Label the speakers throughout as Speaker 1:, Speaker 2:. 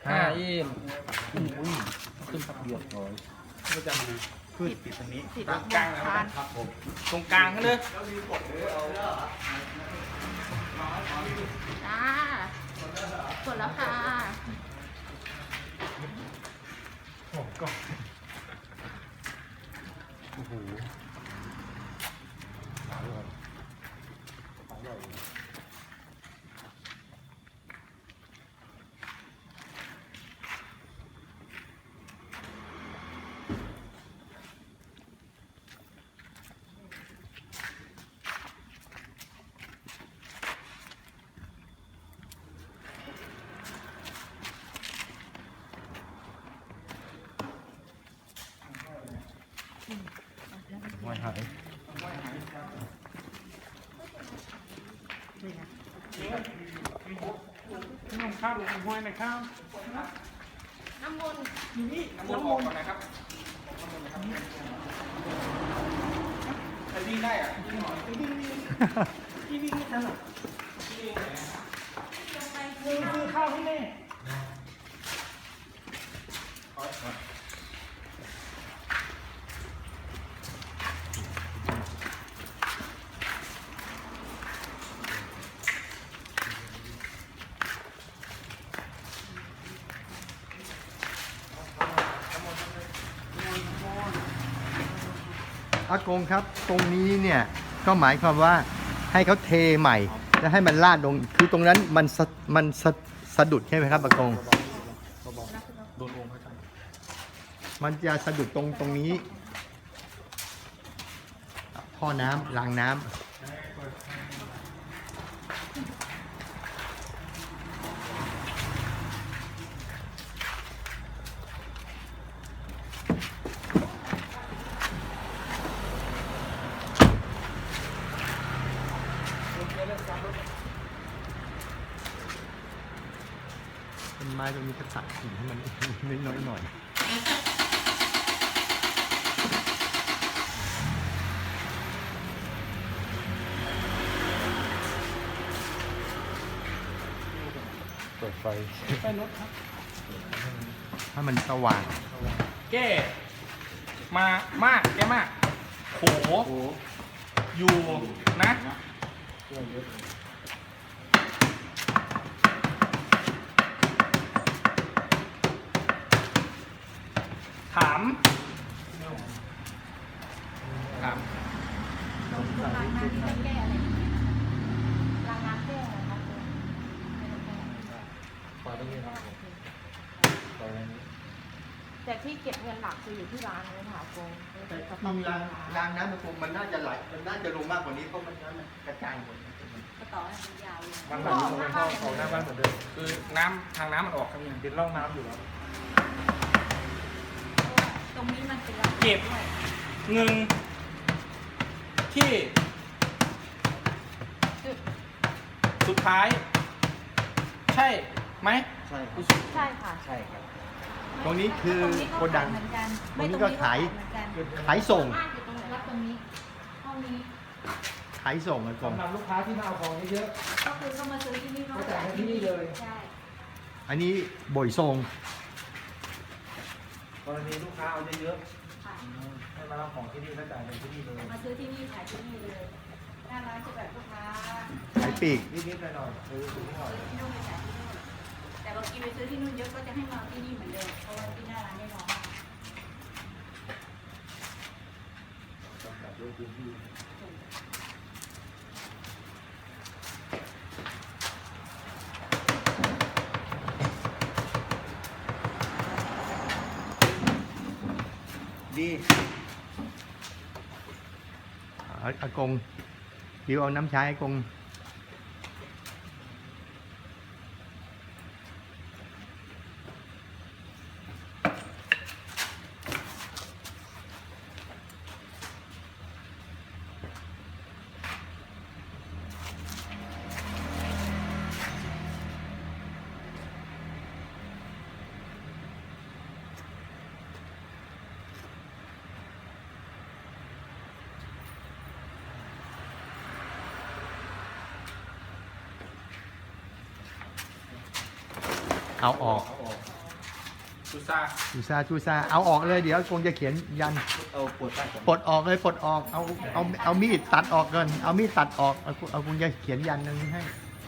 Speaker 1: อินขึ้นพักเดียวร้อยก็จะมีขึ้นติดตรงนี้ตรงกลางนะครับผมตรงกลางกันเลย
Speaker 2: จ้าหมดแล้วค่ะ
Speaker 1: โอ้ก็โอ้โหห้อยหายน้องข้าวห้อยนะครับ
Speaker 2: น้ำมนต์
Speaker 1: อยู่นี่น้ำมนต์ก่อนนะครับใครวิ่งได้อ่ะวิ่งไม่ทันหรอกซื้อข้าวให้แม่
Speaker 3: อากงครับตรงนี้เนี่ยก็หมายความว่าให้เขาเทใหม่แล้วให้มันลาดลงคือตรงนั้นมันสะดุดใช่ไหมครับอากง
Speaker 1: โดนองค์พระจันทร์
Speaker 3: มันจะสะดุดตรงนี้ท่อน้ำรางน้ำต้นไม้ตรงนี้ก็ตัดกิ่งให้มันน้อยๆหน่อยเปิดไฟ
Speaker 1: รถครับ
Speaker 3: ถ้ามันสว่าง
Speaker 1: แก้มากแก้มากโขอยู่นะถาม
Speaker 2: ล้างน้ำแก้อะไรล้างน้ำแก้อะไรครับแต่ที่เก็บเงินหลักคืออยู่ที่ร้านเลยค่ะกง
Speaker 3: รางน้ำมันน่าจะไหลมันน่าจะลงมากกว่านี้เพราะมันกระจายหมด
Speaker 2: กระต่อมันยาวเลย
Speaker 1: มันแบบลงเข้าของหน้าบ้านเหมือนเดิมคือน้ำทางน้ำมันออกครับยังเป็นร่องน้ำอยู่แล้ว
Speaker 2: ตรงนี้มันเป็น
Speaker 1: เก็บเงินที่สุดท้ายใช่ไหม
Speaker 3: ใช่ครับ
Speaker 2: ใช่ค่ะ
Speaker 3: ใช่ครับตรงนี้คือโกดังตรงนี้ก็ขายส่ง
Speaker 2: ตรงนี้ห้องนี้
Speaker 3: ขายส่งกันก่อน
Speaker 1: สำหรับลูกค้าที่มาเอาของเยอะ
Speaker 2: ก็คือเขามาซื้อที่นี่
Speaker 1: เขาจ่ายที่นี่เลย
Speaker 2: ใช่
Speaker 3: อันนี้บ่อยส่ง
Speaker 1: กรณีลูกค้าเอาเยอะๆให้มารับของที่นี่แล้วจ่ายเงินที่นี่เลย
Speaker 2: มาซื้อที่นี่ขายที่นี่เลยหน้าร้านจะแบบลูกค้า
Speaker 3: ขายปีก
Speaker 1: นิดๆหน่อยๆซื้อที่นู่น
Speaker 2: ไปขายที่นู่นแต่บางทีไปซื้อที่นู่นเยอะก็จะให้มาที่นี่เหมือนเดิมเพราะว่าที่หน้าร้านได้น้อย
Speaker 1: จำกัดด้วยพื้นที่
Speaker 3: ดีอากงดิวเอาน้ำชาอากงเอาออก
Speaker 1: ซูซ่า
Speaker 3: จูซาเอาออกเลยเดี๋ยวคงจะเขียนยัน
Speaker 1: เอาปวดใต้ก่อน
Speaker 3: ปลดออกเลยปลดออกเอามีดตัดออกก่อนเอามีดตัดออกเอาคงจะเขียนยันตรงนี้ให้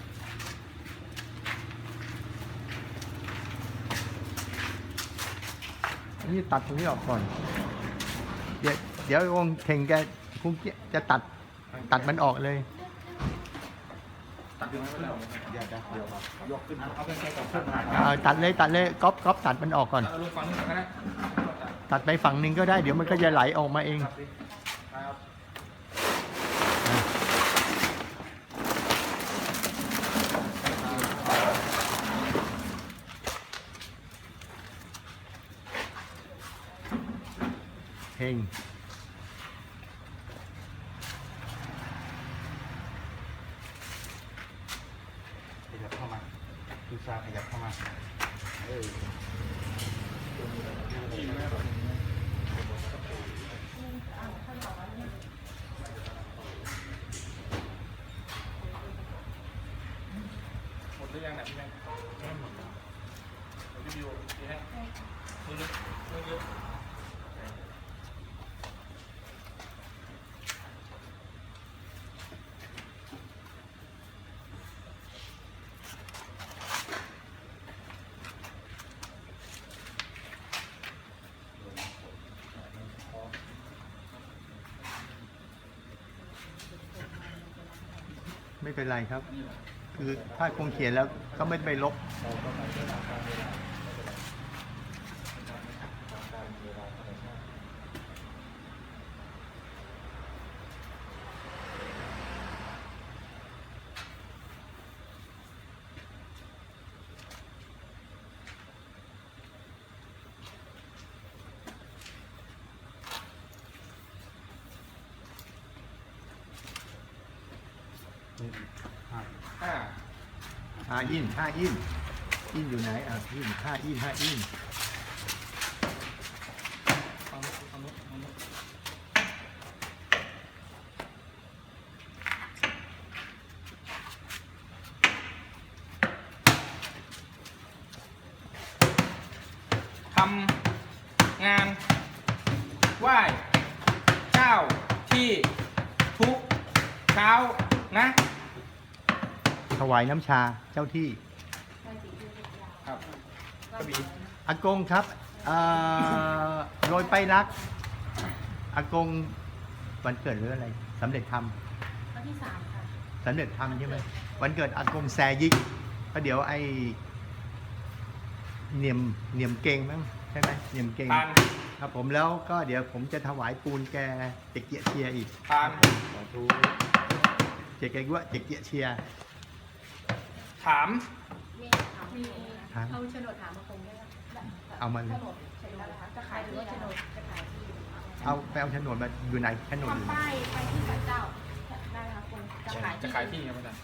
Speaker 3: นี่ตัดตรงนี้ออกก่อนเดี๋ยวคงเข่งแกคงจะตัดมันออกเลย
Speaker 1: ตัดยังไม่ได้เดี๋ยวยกขึ้นเอาแค่กับเพื่อนมา
Speaker 3: ตัดเลยก๊อปตัดมันออกก่อน
Speaker 1: เอาลงฟังนึงก็ได้
Speaker 3: ตัดไปฝั่งหนึ่งก็ได้เดี๋ยวมันก็จะไหลออกมาเอง
Speaker 1: ครับ
Speaker 3: เฮง
Speaker 1: ขยับเข้ามาซูซ่าขยับเข้ามาหมดหรือยังเนี่ยพี่แม่หมดแล้วพี่บิวดีให้มือเยอะ
Speaker 3: ไม่เป็นไรครับ คือถ้าคงเขียนแล้วก็ไม่ไปลบอินอยู่ไหนอินอิน
Speaker 1: ทำงานไหว้เจ้าที่ทุกเช้านะ
Speaker 3: ถวายน้ำชาเจ้าที่
Speaker 1: ครับกระบี่
Speaker 3: อากงครับโรยไปรักอากงวันเกิดหรืออะไรสำเร็จธรรม
Speaker 2: วันที่ 3 ค่ะ
Speaker 3: สำเร็จธรรมใช่ไหมวันเกิดอากงแซยิกก็เดี๋ยวไอเนียมเก่งมั้งใช่ไหมเนียมเก่ง
Speaker 1: ทาน
Speaker 3: ครับผมแล้วก็เดี๋ยวผมจะถวายปูนแกเจ๊เกียเชียอีก
Speaker 1: ทาน
Speaker 3: เจ๊เกียว่าเจ๊เกียเชีย
Speaker 1: ถาม
Speaker 2: มีเอาโฉนดถามมาคงได้
Speaker 3: เอามาเลย
Speaker 2: โฉนดจะขายหรือว่าโฉนดจะขายที่
Speaker 3: เอาไปเอาโฉนดมาอยู่ไหนโฉนดอยู่ไหน
Speaker 2: ทำป้ายไปที่ศาลเจ้าได้ค่ะคุณจะขายที่
Speaker 1: ครับอาจารย์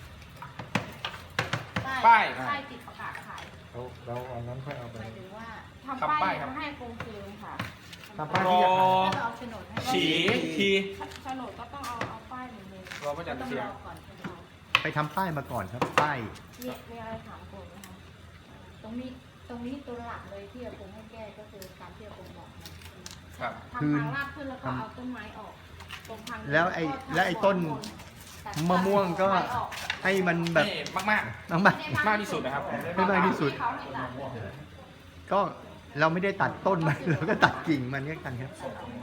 Speaker 2: ป้าย
Speaker 1: ป้าย
Speaker 2: ป้ายติดประกาศขาย
Speaker 3: เราเอานั้นค่อยเอาไป
Speaker 2: หมายถึงว่า
Speaker 1: ทำ
Speaker 2: ทำ
Speaker 1: ป้า
Speaker 2: ป้าย ย
Speaker 1: ครับ
Speaker 2: ให้กงคืนค่ะ
Speaker 3: ทำป้ายที่จะขาย
Speaker 2: แล้วเอาโฉนดให้
Speaker 1: ฉีที
Speaker 2: โฉนดก็ต้องเอาป้ายหนึ่งเลย
Speaker 1: รอพระจันทร์
Speaker 2: ต้อง
Speaker 1: เสีย
Speaker 2: รง อก่อนโฉนด
Speaker 3: ไปทำป้ายมาก่อนครับป้าย
Speaker 2: มีอะไรถามกงนะคะตรงนี้ตัวหลักเลยที่กงให้แก้ก็คือการที่กงบอกนะครับ ทำทางลาดขึ้นแล้วก็เอาต้นไม้ออกตรงทาง
Speaker 3: แล้วไอ้ต้นมะม่วงก็ให้มันแบบ
Speaker 1: นี่มาก
Speaker 3: น้ำมัน
Speaker 1: ๆ มากที่สุดนะครับ
Speaker 3: ให้มากที่สุด ก็เราไม่ได้ตัดต้นมัน เราก็ตัดกิ่งมันก็กันครับ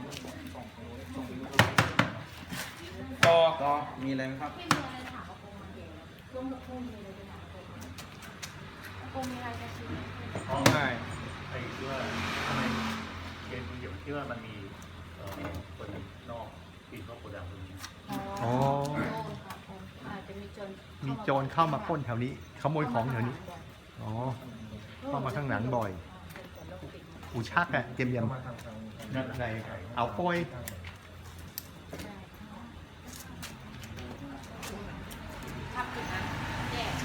Speaker 1: ก็มีอะไรไหมครับ
Speaker 2: ที่มีอะไรถามกงมาเดี๋ยวร่วมกับกงมีอะไรจะถามกงมีอะไรจะชี้
Speaker 1: ง่าย
Speaker 4: ไอ้ที่ว่าทำไมเกณฑ์คุณเกี่ยวที่ว่ามันมีคนนอกปีนเข้าโกดังตรงนี้
Speaker 3: อ๋อ
Speaker 2: อาจจะมีโจร
Speaker 3: มีโจรเข้ามาปล้นแถวนี้ ขโมยของแถวนี้ อ๋อ เข้ามาข้างหลังบ่อย อูชักอะเตรียมในเอาโป้ย
Speaker 2: ทับถึงนะแย่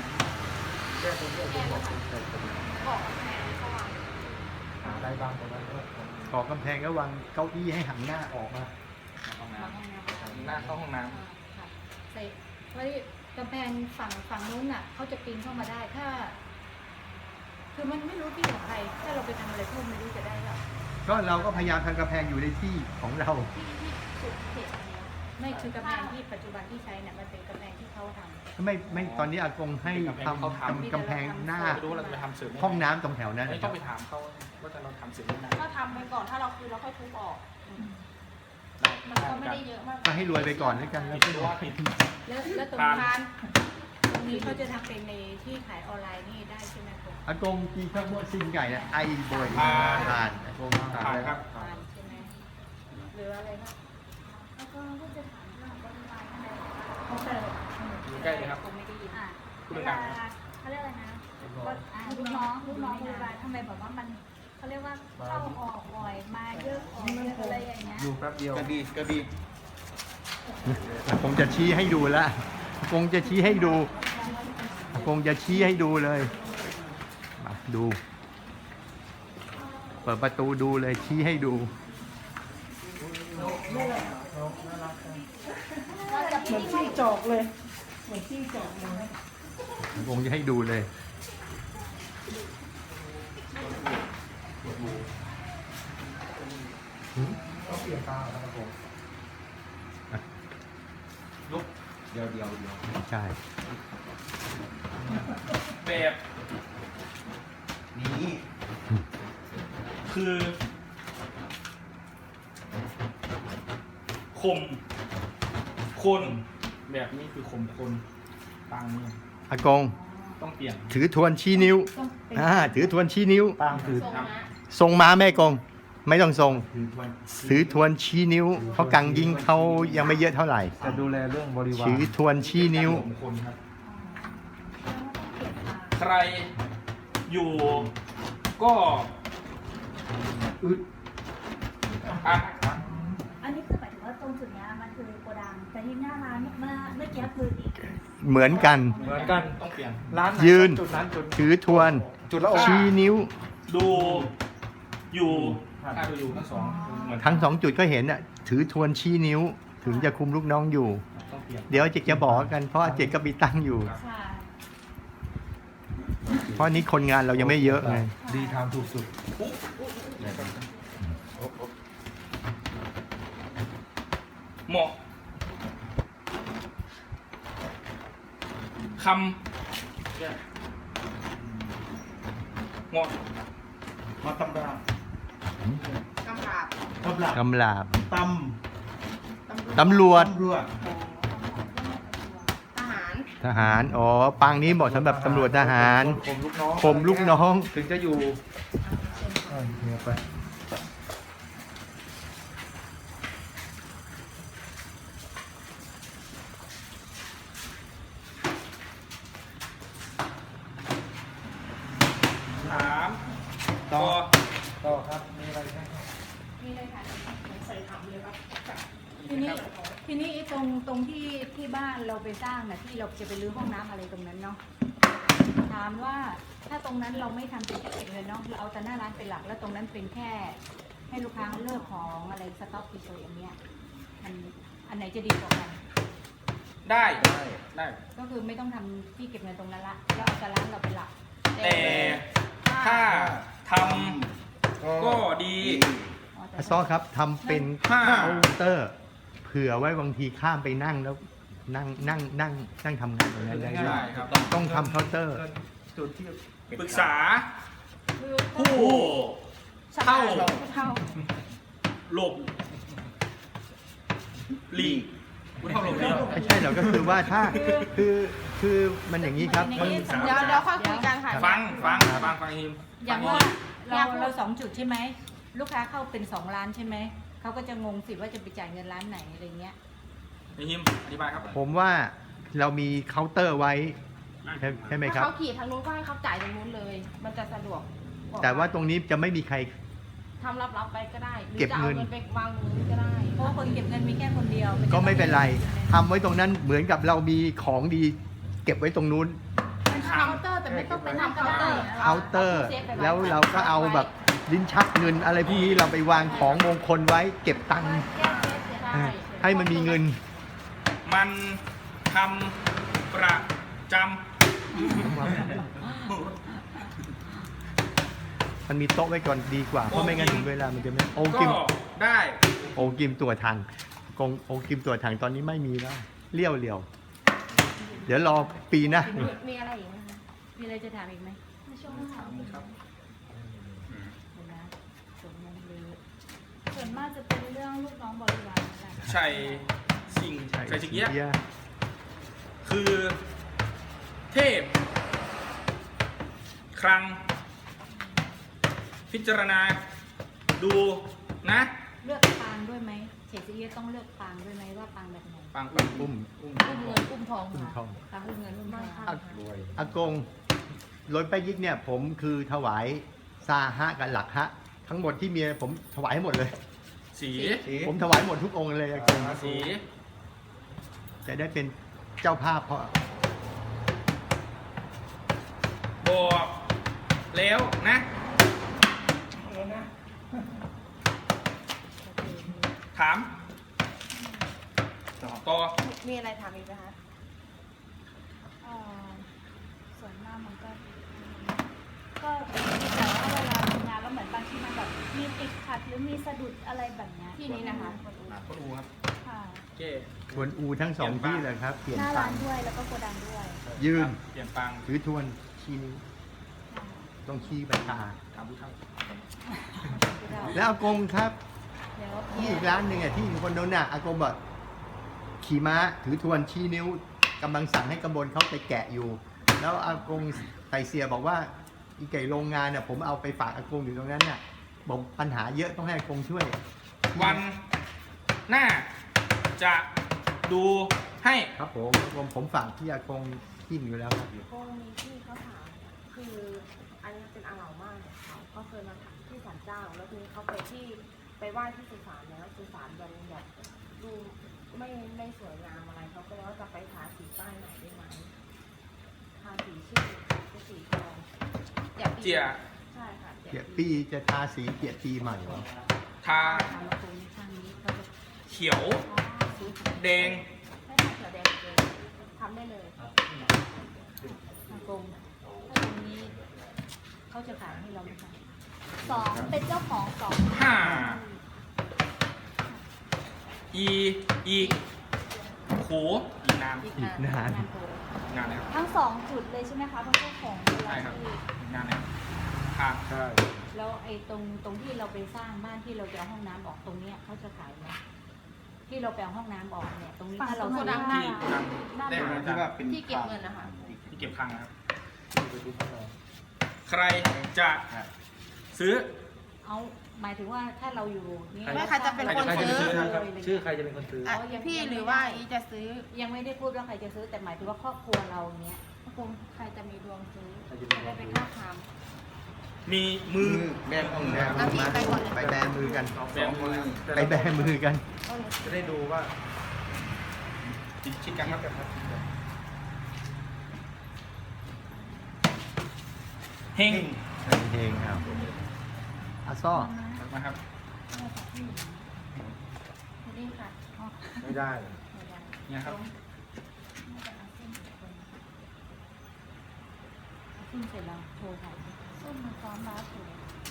Speaker 2: บอกแม่สว่าง
Speaker 3: ได้บ้างตรงนั้นก่อกำแพงก็วางเก้าอี้ให้หันหน้าออกมา
Speaker 1: ห้องน้ำหน้าเข้าห้องน้
Speaker 2: ใส่เพราะกำแพงฝั่งนู้นน่ะเขาจะปีนเข้ามาได้ถ้า คือมันไม่รู้ที่ของใครถ้าเราไปทำอะไรเพิ่มไม่รู้จะได้หรอ
Speaker 3: ก็เราก็พยายามทำกำแพงอยู่ในที่ของเรา
Speaker 2: ที่สุดเขตอันเนี้ยไม่คือกำแพงที่ปัจจุบันที่ใช้เนี่ยมันเป็นกำแพงที่เขาทำ
Speaker 3: ไม่ตอนนี้อากงให้ทำกำแพงหน้า
Speaker 1: ไม่รู้เราจะไปทำเสริม
Speaker 3: ห้องน้ำตรงแถวนั้น
Speaker 1: ไม่
Speaker 3: นะค
Speaker 1: ต้
Speaker 3: รั
Speaker 1: อบ งไปถามเขาว่าจะเราทำเสริมยังไง
Speaker 2: ก็ทำไปก่อนถ้าเราคือเราค่อยทุบออกมันก็ไม่ได้เยอะมาก
Speaker 3: ก็ให้รวยไปก่อนแล้วกันแล้ว
Speaker 1: ผิดตัวผิด
Speaker 2: แล้วตรงทานตรงนี้เขาจะทำเป็นในที่ขายออนไลน์นี่ได้ใช่ไหมครับ
Speaker 3: อากงกีข้าวโพดซิงไก่เนี่ยไอ้บอยทานอากง
Speaker 1: ผ่านครับ
Speaker 2: ทานใช่ไหมหรืออะไรครับแล้วก็จะถามเรื่องบริวารอะไรเขาเปิด
Speaker 1: อยู่ใกล้เลยครับ
Speaker 2: ผมไม่ได้ยิน
Speaker 1: พูด
Speaker 5: เว
Speaker 1: ดั
Speaker 5: ลาง
Speaker 1: ๆ
Speaker 5: เขาเรียกอะไรนะลูกน้องบริวารทำไมแบบว่ามันเขาเรียกว่าเข้าออกบ่อยมาเยอะออกเยอะอะไรอย่างเงี้ย
Speaker 1: อยู่แป๊บเดียวก็ดีก็ดี
Speaker 3: อากงจะชี้ให้ดูแล้วอากงจะชี้ให้ดูอากงจะชี้ให้ดูเลยมาดู เปิดประตูดูเลยชี้ให้ดู
Speaker 6: เหมือนจิ้งจอกเลยเหมือนจิ้งจอกเลย
Speaker 3: อากงจะให้ดูเลย
Speaker 1: ต้องเปลี่ยนตาครับผมลุกเดียว
Speaker 3: ใช่
Speaker 1: แบบนี้คือคมคนแบบนี้คือคมคนตังมือ
Speaker 3: อากง
Speaker 1: ต้องเปลี่ยน
Speaker 3: ถือทวนชี้นิ้วถือทวนชี้นิ้ว
Speaker 1: ตังคือ
Speaker 2: ทรง
Speaker 1: ครับ
Speaker 2: นะ
Speaker 3: ทรงม้าแม่กง ไม่ต้องทรง
Speaker 1: คือทวน
Speaker 3: ถือทวนชี้นิ้ว เพราะกังยิงเขายังไม่เยอะเท่าไหร่
Speaker 1: จะดูแลเรื่องบริวาร
Speaker 3: ถือทวนชี้นิ้ว
Speaker 1: ผมคนครับ ใครอยู่ก็อึดอัด
Speaker 5: อันนี้คือหมายถึงว่าตรงจุดเนี้ยมันคือโกดังแต่ที่หน้าร้านเมื่อกี้คืออีก
Speaker 3: เหมือนกัน
Speaker 1: เหมือนกันต้องเปลี่ยนร้านไห
Speaker 3: ยืน
Speaker 1: จุดนั้นจุด
Speaker 3: ถือทวน
Speaker 1: จุดละองค์
Speaker 3: ชี้นิ้ว
Speaker 1: ดูอยู่ถ้าดูอยู่ทั้งสองเหมือน
Speaker 3: ทั้งสองจุดก็เห็นอ่ะ ถือทวนชี้นิ้ว ถึงจะคุมลูกน้องอยู่
Speaker 1: ต้องเปลี่ยน
Speaker 3: เดี๋ยวเจกจะบอกกัน เพราะว่าเจกก็มีตั้งอยู่
Speaker 5: ใช่
Speaker 3: เพราะนี้คนงานเรายังไม่เยอะไง
Speaker 1: ดีทำถูกสุดเหมาะคำเหมาะมาตำรา
Speaker 2: กำราบ
Speaker 1: ตำรา
Speaker 3: กำลาบ
Speaker 1: ต
Speaker 3: ตำรวจ
Speaker 1: ำรวจ
Speaker 2: ทหาร
Speaker 3: ทหาร อ๋อ ปางนี้เหมาะสำหรับตำรวจทหาร
Speaker 1: ผมลูกน้อง
Speaker 3: ผมลูกน้อง
Speaker 1: ถึงจะอยู่เนี่ยไปถามต่อครับมีอะไรไหมครับ
Speaker 2: นี่เลยค่ะ
Speaker 6: ใส่ถังเลยครับ
Speaker 2: ทีนี้ไอ้ตรงที่บ้านเราไปสร้างน่ะที่เราจะไปรื้อห้องน้ำอะไรตรงนั้นเนาะถามว่าถ้าตรงนั้นเราไม่ทำเป็นที่เก็บเงินเนาะเราเอาแต่หน้าร้านเป็นหลักแล้วตรงนั้นเป็นแค่ ให้ลูกค้าเลือกของอะไรสต็อกเฉยๆอย่างเงี้ยมันอันไหนจะดีกว่ากัน
Speaker 1: ได้ได้
Speaker 2: ก็คือไม่ต้องทำที่เก็บเงินตรงนั้นละแล้วเอาแต่ร้านเราเป็นหลัก
Speaker 1: แต่ถ้าทำก็ดี
Speaker 3: อาซอครับทำเป็น
Speaker 1: ห้า
Speaker 3: เคาน์เตอร์ เผื่อไว้บางทีข้ามไปนั่งแล้วนั่งทำงานตรงนั้นได้ด้ว
Speaker 1: ได้
Speaker 3: ย
Speaker 1: ครับ
Speaker 3: ต้องทำเคาน์เตอร์
Speaker 1: จุดที่ปรึกษา
Speaker 2: คือ
Speaker 1: ผู้เท่า
Speaker 2: เท่า
Speaker 1: หลบหลีกผู้เท่าหลบหลีก
Speaker 3: ไม่ใช่หรอกก็คือว่าถ้าคือมันอย่างนี้ครับมัน
Speaker 2: เดี๋ยวค่อยคุยกันค่ะ
Speaker 1: ฟังทีม
Speaker 2: อย่างว่าเราสองจุดใช่ไหมลูกค้าเข้าเป็น2 ร้านใช่ไหมเขาก็จะงงสิว่าจะไปจ่ายเงินร้านไหนอะไรเงี้ย
Speaker 1: ทีมอธิบายครับ
Speaker 3: ผมว่าเรามีเคาน์เตอร์ไว้ใช่ไหมครับ
Speaker 7: ถ้าเขาขี่ทางนู้นก็ให้เขาจ่ายตรงนู้นเลย มันจะสะดวกก
Speaker 3: แต่ว่าตรงนี้จะไม่มีใคร
Speaker 7: ทำรับไปก็ได้ หรือ
Speaker 3: เก็บ
Speaker 7: จะเอา
Speaker 3: เงิน
Speaker 7: เงินไปวางตรงนู้นก็ได้
Speaker 2: เพราะว่าคนเก็บเงินมีแค่คนเดียว
Speaker 3: ก็ไม่เป็นไรทำไว้ตรงนั้นเหมือนกับเรามีของดี เก็บไว้ตรงนู้น
Speaker 7: เป็นเคาน์เตอร์แต่ไม่ต้องเป็นทำเคาน์เตอร์
Speaker 3: เคาน์เตอร์ แล้วเราก็เอาแบบลิ้นชักเงินอะไรพวกนี้เราไปวางของมงคลไว้เก็บตังค์
Speaker 7: ใช่
Speaker 3: ให้มันมีเงิน
Speaker 1: มันทำประจ
Speaker 3: มันมีโต๊ะไว้ก่อนดีกว่าเพราะไม่งั้นถึงเวลามันจะไม่โอ
Speaker 1: ก็
Speaker 3: กิม
Speaker 1: ได้
Speaker 3: โอกิมตัวถังโอกิมตัวถังตอนนี้ไม่มีแล้วเลี้ยวเดี๋ยวรอปีหน้า
Speaker 7: มีอะไรอีกไหมคะ
Speaker 2: มีอะไรจะถามอีกไหม
Speaker 5: ในช่วงถาม
Speaker 1: ครับ
Speaker 2: เดี๋ยวนะสมมติเลย
Speaker 5: ส่วนมากจะเป็นเรื่องลูกน้องบริวารนั่นแหละ
Speaker 1: ชัยสิ่งชัยสิงเอี้ยะคือเทพ ครั้ง พิจารณา ดูนะ
Speaker 2: เลือกปางด้วยไหมเฉดซีเอียต้องเลือกปางด้วยไหมว่าปางแบบไหน
Speaker 1: ปัง
Speaker 3: อุ้ม
Speaker 7: อุ้มเงินอุ้มทอง
Speaker 3: อุ้ม
Speaker 7: ค่ะ
Speaker 3: ทอง
Speaker 2: ปางอุ้มเงินอุ้มทอง
Speaker 3: อากงรถไปยิกเนี่ยผมคือถวายซาฮะกับหลักฮะ ทั้งหมดที่มีผมถวายให้หมดเลย
Speaker 1: สี
Speaker 3: ผมถวายหมดทุกองค์เลยอากง
Speaker 1: สี
Speaker 3: จะได้เป็นเจ้าภาพเพราะ
Speaker 1: บอกแล้วนะ ถาม ต่อ
Speaker 7: มีอะไรถามอีกไหมคะ
Speaker 5: เอ่อส่วนมากมันก็แต่ว่าเวลาทำงานแล้วเหมือนบางทีมันแบบมีติดขัดหรือมีสะดุดอะไรแบบเนี้ย
Speaker 7: ที่นี้นะคะ
Speaker 1: ก็ดูครับ
Speaker 5: ค่ะ
Speaker 1: โอเค
Speaker 3: ทวนอูทั้งสองที่เลยครับ เปลี่ยน
Speaker 5: หน้า
Speaker 3: ปั
Speaker 5: ร้าง นด้วยแล้วก็โกดังด้วย
Speaker 3: ยืน
Speaker 1: เปลี่ยนปัง
Speaker 3: ถือทวนชี้นิ้ว
Speaker 5: ค่ะ
Speaker 3: ต้องชี้ใบตา
Speaker 1: ถามผู้เฒ่า
Speaker 3: แล้วอากงครับ
Speaker 2: เดี๋ยว
Speaker 3: ที่อีกร้านหนึ่งอ่ะที่คนโน้นน่ะอากงบอกขี่ม้าถือทวนชี้นิ้วกำลังสั่งให้กำบลเขาไปแกะอยู่ แล้วอากงไตเสียบอกว่าอีไก่โรงงานเนี่ยผมเอาไปฝากอากงอยู่ตรงนั้นน่ะบอกปัญหาเยอะต้องให้อากงช่วย
Speaker 1: วันหน้าจะดูให้
Speaker 3: ครับผมฝากที่อากงทิ้งอยู่แล้วครับ
Speaker 7: ก็มีที่เขาถามคืออันนี้เป็นอาเหล่ามากของเขาเขาเคยมาถามที่ศาลเจ้า แล้วทีนี้เขาไปไหว้ที่สุสานแล้วสุสานมันแบบดูไม่สวยงามอะไรเขาก็เลยว่าจะไปทาสีป้ายไหนได้ไหมทาสีชื่อเป็นสีทอง
Speaker 1: เจีย
Speaker 7: ใช่ค่ะ
Speaker 3: เกียรติปีจะทาสีเกียรติปีใหม่เหรอ
Speaker 1: ทา
Speaker 2: ถามมาตรงนี้ข้างนี้เขาจะ
Speaker 1: เขียว แดง
Speaker 7: ให้ทาเขียวแดงเลยทำได้เลย
Speaker 2: อากงถ้าตรงนี้เขาจะขายให้เราไหมคะ
Speaker 5: สองเป็นเจ้าของสอง
Speaker 1: ห้าอีกโหอีกนาน
Speaker 2: อีก
Speaker 3: อีกนาน
Speaker 2: โต
Speaker 1: นานแล้ว
Speaker 5: ทั้งสองจุดเลยใช่ไหมคะเพราะเจ้าของเวลา
Speaker 1: ใช่ครับ
Speaker 5: ที่
Speaker 1: อีกนานแล้วค่ะ
Speaker 3: ใช่
Speaker 2: แล้วไอ้ตรงที่เราไปสร้างบ้านที่เราจะเอาห้องน้ำออกตรงเนี้ยเขาจะขายไหมที่เราไปเอาห้องน้ำออกเนี่ยตรงนี้ถ้าเรา
Speaker 7: โกดัง
Speaker 1: ที่ทำได้ไหมที่ว่าเป็น
Speaker 7: ที่เก็บเงินนะคะ
Speaker 1: ที่เก็บคลังนะครับ ใครจะซื้อ
Speaker 2: เอาหมายถึงว่าถ้าเราอยู่นี่
Speaker 7: ไม่ใครจะเป็นคนซื้อ
Speaker 1: ชื่อใครจะเป็นคนซื้อ
Speaker 7: อ่ะพี่หรือว่าอีจะซื้อ
Speaker 2: ยังไม่ได้พูดว่าใครจะซื้อแต่หมายถึงว่าครอบครัวเราเนี้ย
Speaker 7: คงใครจะมีดวงซื้อจะได้ไปค้าขาย
Speaker 1: มีมือ
Speaker 3: แบมือ
Speaker 7: อ่ะพี่ไปก่อนเลย
Speaker 3: ไปแบมือกัน
Speaker 1: แบมือ
Speaker 3: ไปแบมือกัน
Speaker 1: จะได้ดูว่าชิดกันครับเฮง
Speaker 3: เฮงครับอาซ้อ
Speaker 1: นะครับ
Speaker 7: นี่ค่ะ
Speaker 3: ไม่ได้
Speaker 1: เนี่ยครับ
Speaker 2: ขึ้นเสร็จแล้วโทรถาม
Speaker 5: ส้มมันซ้อมมาถูก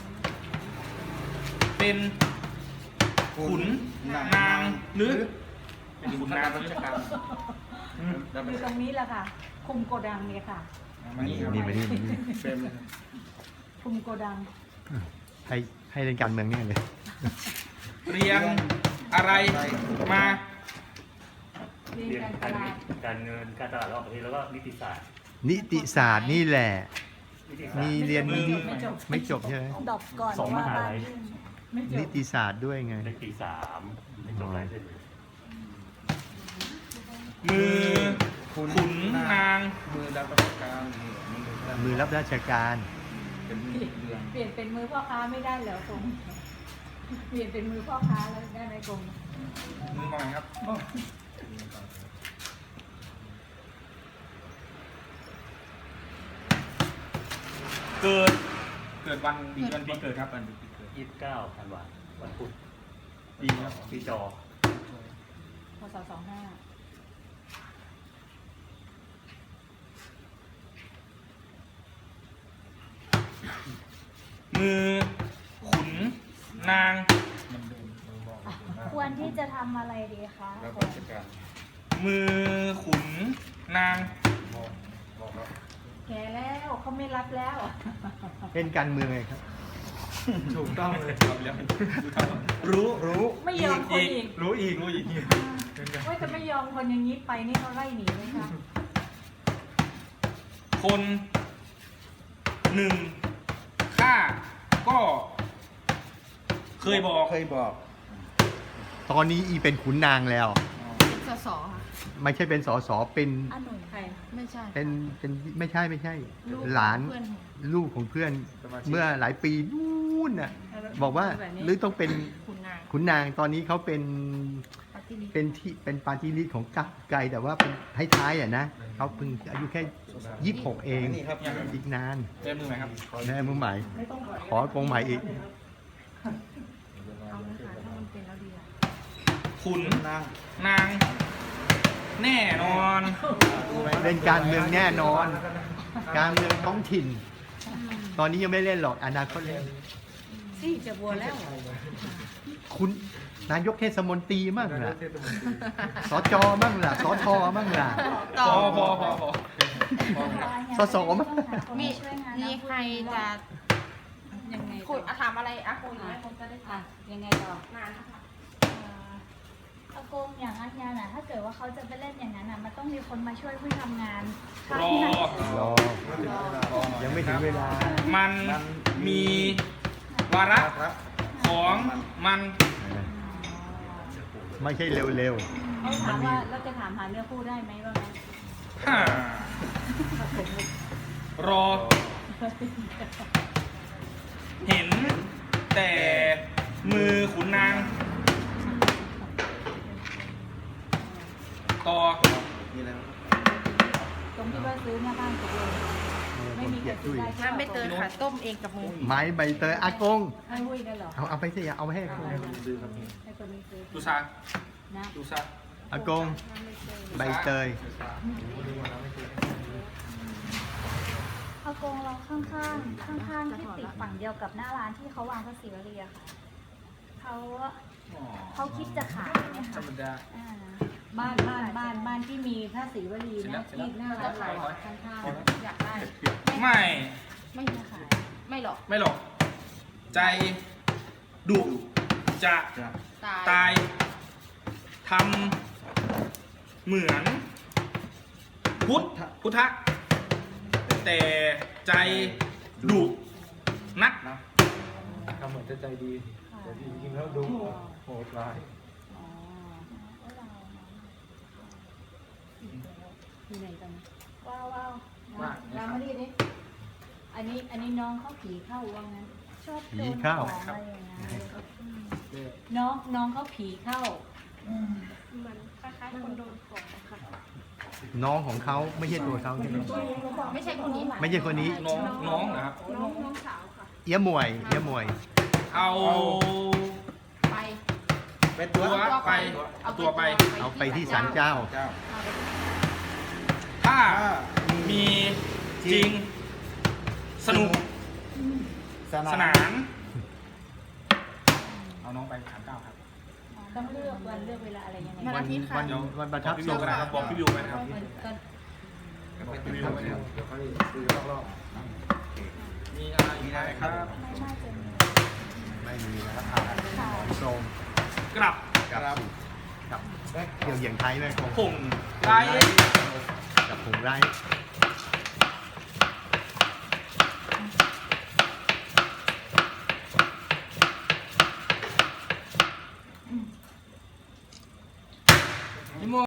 Speaker 1: เป็นขุนนางหรือเป็นขุนนางราชการ
Speaker 2: อยู่ตรงนี้แหละค่ะ คุมโกดังเนี่ยค่ะ
Speaker 1: มานี่ครับ
Speaker 3: นี่มานี่
Speaker 1: เป็น
Speaker 2: คุมโกดัง
Speaker 3: ให้เล่นการเมืองเนี่ยเลย
Speaker 1: เรียงอะไรมา
Speaker 2: เรียน
Speaker 4: เรียน
Speaker 2: การต
Speaker 4: การ
Speaker 2: ลาด
Speaker 4: การเงินการตลาดระหว่างประเทศแล้วก็นิติศาสตร์
Speaker 3: นิติศาสตร์นี่แหละ
Speaker 4: นิติศาสต
Speaker 3: มี
Speaker 4: ร์
Speaker 3: เรียนนิติ
Speaker 2: ไม่จบ
Speaker 3: ไม่จบใช่ไหม
Speaker 5: ดอกก่อน
Speaker 4: สองมหาลัย
Speaker 5: ว่บ้นยุ่ง
Speaker 2: ไม่จ
Speaker 3: นิ
Speaker 2: บ
Speaker 3: ติศาสตร์ด้วยไง
Speaker 4: ในปี3ไม่จบอะไรเลย
Speaker 1: มือขุนนาง
Speaker 3: มือรับราชการ
Speaker 2: เปลี่ยนเป็นมือพ่อค้าไม่ได้เหรอกงเปลี่ยนเป็นมือพ่อค้าแล้วได้ไหมกง
Speaker 1: มือมองครับ เกิดวันปีเกิดครับวันปีเกิด
Speaker 4: 29ธันวาคมวันพุธ
Speaker 1: ปีครับ
Speaker 4: ปีจอ
Speaker 2: พศ25
Speaker 1: มือ
Speaker 8: นาง
Speaker 5: ควรที่จะทำอะไรดีคะ
Speaker 8: มือขุนนาง
Speaker 2: แกแล้วเขาไม่รับแล้ว
Speaker 3: เล่นการเมืองไงครับ
Speaker 1: ถูกต้องเลย
Speaker 8: รู้
Speaker 2: ไม่ยอมคนอีก
Speaker 1: รู้อีก
Speaker 2: ว่าจะไม่ยอมคนอย่างนี้ไปนี่เขาไล่หนีไหมคะ
Speaker 8: คนหนึ่งข้าก็เคยบอก
Speaker 3: ตอนนี้อีเป็นขุนนางแล้ว
Speaker 7: เป็นสสค่ะ
Speaker 3: ไม่ใช่เป็นสสเป็น
Speaker 5: อันหนุ่ม
Speaker 2: ใคร
Speaker 7: ไม่ใช่
Speaker 3: เป็นไม่ใช่
Speaker 7: ลูก
Speaker 3: หลาน
Speaker 7: เพื่อนหนู
Speaker 3: ลูกของเพื่อนเมื่อหลายปีนู่นน่ะบอกว่าหรือต้องเป็น
Speaker 7: คุณนาง
Speaker 3: ขุนนางตอนนี้เขาเป็น
Speaker 7: ปฏิริษี
Speaker 3: เป็นปาร์ตี้ลิสต์ของกักไกลแต่ว่าเป็นท้ายๆอ่ะนะเขาเพิ่งอายุแค่ 26 เอง อีกนาน
Speaker 8: เจอมือไหมครับ
Speaker 3: แม่มือใหม่ ขอกงใหม่อีก
Speaker 7: เอาเลยค่ะถ้ามันเป็นแล้วดีอะ
Speaker 8: ขุนนาง แน่นอน
Speaker 3: เป็นการเมืองแน่นอน การเมืองท้องถิ่น ตอนนี้ยังไม่เล่นหรอกอนาคตเล่น
Speaker 2: ซี่จะบัวแล้ว
Speaker 3: คุณนายกเทศมนตรีมั่งล่ะสจมั่งล่ะสทมั่งล่ะ
Speaker 8: พอ
Speaker 3: สสมั้ย
Speaker 7: มี
Speaker 5: ช่วยงาน
Speaker 7: มีใครจะ
Speaker 2: ยังไง
Speaker 7: คุย
Speaker 2: ต่อ
Speaker 7: ถามอะไรอะคุยไหมคนจะได้
Speaker 2: อ่ะยังไงต่อ
Speaker 7: นานนะคะ
Speaker 5: อากงอย่างอัญญาน่ะถ้าเกิดว่าเขาจะไปเล่นอย่างนั้นน่ะมันต้องมีคนมาช่วยผู้ทำงาน
Speaker 8: รอ
Speaker 3: รอยังไม่ถึงเวลา
Speaker 8: มันมีวาระของมัน
Speaker 3: ไม่ใช่เร็ว
Speaker 2: เขาถามว่าเราจะถามหาเนื้อคู่ได้ไหมว่าไง
Speaker 8: ฮ่ารอ เห็นแต่มือขุนนาง ต่อ
Speaker 2: ตรงที่ว่าซื้อหน้าบ้านตกลงไม่มีใครซื้อได้
Speaker 7: น้ำใบเตยค่ะต้มเองกับมือ
Speaker 3: ๆ ไม้ใบเตยอากง
Speaker 2: ให้หุ้ยได้เหรอ
Speaker 3: เอาไปสิเอาไปให้อากง
Speaker 2: ให้คนนี้ซื้อ
Speaker 8: ดูซา
Speaker 2: นะ
Speaker 8: ดูซา
Speaker 3: อากงใบเตย
Speaker 5: อากงเราข้างๆที่ติดฝั่งเดียวกับหน้าร้านที่เขาวางพระศิวลีอะค่ะเขาคิดจะขายไหม
Speaker 8: ธร
Speaker 5: คะ
Speaker 8: รมดา
Speaker 5: อ่า
Speaker 2: บ้านที่มีพระศรีวลีนะที่หน้าร้านเราข้าง
Speaker 7: อยากได้
Speaker 8: ไม่
Speaker 7: ไม่มีขาย ไม่หรอก
Speaker 8: ไม่หรอก ใจดุจะ ตายทำเหมือน พุทธะแต่ใจดุนัก
Speaker 1: ทำเหมือนจะใจดีแต่จริงๆแล้วดูโหดร้าย
Speaker 2: ๆอ๋ออยู่ไหนกันว้าวเรามาดีดิอันนี้น้องเขาผีเข้าว่างั้น
Speaker 5: ชอบโด
Speaker 3: ผี
Speaker 5: นข
Speaker 3: เข้า
Speaker 5: องอะไรอย่างเงี้ย
Speaker 2: น้องเขาผีเข้า
Speaker 5: เหมือนคล้ายๆคนโดนของค่ะ
Speaker 3: น้องของเขาไม่ใช่ตัวเขาใช่ไหม
Speaker 7: ไม่ใช่คนนี้
Speaker 3: ไม่ใช่คนนี้
Speaker 8: น้องนะครับ
Speaker 5: น้องสาวค่ะ
Speaker 3: เอี้ยมวยเอี้ยมวย
Speaker 8: เอา
Speaker 7: ไป
Speaker 8: ตัวไป เอาตัวไป
Speaker 3: เอาไปที่ศาลเจ้า
Speaker 8: ถ้ามีจริง สนุก สนาน เอาน้องไปถามเก้าครับ
Speaker 2: ต้องเลือกวันเลือกเวลาอะไรยังไง
Speaker 7: วันอาทิตย์ค่ะ
Speaker 3: วันประ
Speaker 8: บ
Speaker 3: ทั
Speaker 8: อก
Speaker 3: บ
Speaker 8: พี่
Speaker 3: ท
Speaker 8: วิ
Speaker 3: ร
Speaker 8: ว
Speaker 3: ง
Speaker 8: กันนะครับ บอกพี่วิวไปนะครับ
Speaker 2: ก็
Speaker 8: พี่วิวไปนะครับ
Speaker 1: เดี๋ยวค่อยซื้อรอบ
Speaker 8: มีอะไรอีกไหมครับ
Speaker 5: ไม่น่าจะมี
Speaker 3: ไม่มีแล้วอ่าหมอนทรง
Speaker 8: กลับ
Speaker 3: กับเกี่ยวเหยียงไทยไหมคง
Speaker 8: ผงไร
Speaker 3: กับผงไร้
Speaker 8: ก